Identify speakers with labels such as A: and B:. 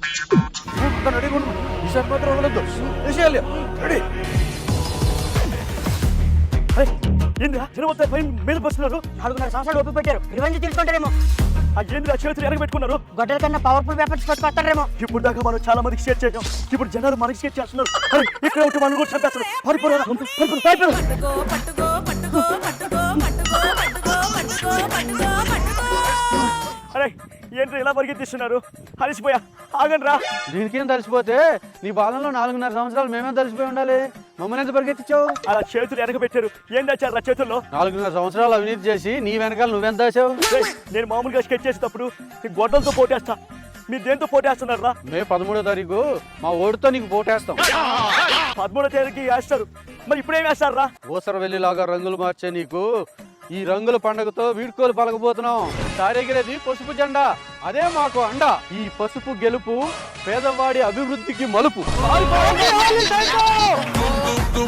A: రెడీగా ఉండు. ఈసారి మాత్రం వదలొద్దు. వేసేయాలి. రెడీ. ఏంద్రా జనం మొత్తం పైన మీద బస్సున్నారు.
B: 4.5 సంవత్సరాలు ఓపిక పెట్టారు. రివెంజ్ తీసుకుంటారేమో.
A: ఏంద్రా చేతులు ఎరగ పెట్టుకున్నారు.
B: గొడ్డల కన్నా పవర్ఫుల్ వెపన్స్ పట్టుకొస్తారేమో.
A: ఇప్పుడు దాకా మనం చాలా మందికి షేర్ చేసాం. ఇప్పుడు జనాలు మనకి షేర్ చేస్తున్నారు. ఇక్కడ ఒకటి మనం కూడా చంపేస్తారు. పారిపోరా. అరే ఏంటి ఇలా పరిగెత్తిస్తున్నారు? అలసిపోయా. ఆగండి రా.
C: దీనికేం తలిసిపోతే నీ బాలంలో 4.5 సంవత్సరాలు మేమే తలిసిపోయి ఉండాలి. మమ్మల్ని ఎంత పరిగెత్తించావు?
A: అలా చేతులు ఎరగ పెట్టారు. ఏం దాచారు రా చేతుల్లో?
C: 4.5 సంవత్సరాలు అవినీతి చేసి నీ వెనకాల నువ్వెంత దాచావు?
A: నేను మామూలుగా స్కెచ్ చేసేటప్పుడు ఈ గొడ్డలతో పోటేస్తా. మీరు దేంతో పోటేస్తున్నారు రా?
C: మే 13వ తారీఖు మా ఓడితో నీకు పోటేస్తాం.
A: 13వ తేదీకి వేస్తారు. మరి ఇప్పుడేం వేస్తారు రా?
C: ఊసరవెల్లిలాగా రంగులు మార్చే నీకు ఈ రంగుల పండుగతో వీడ్కోలు పలకబోతున్నాం. సారెగిరేది పసుపు జెండా, అదే మాకు అండ. ఈ పసుపు గెలుపు పేదవాడి అభివృద్ధికి మలుపు.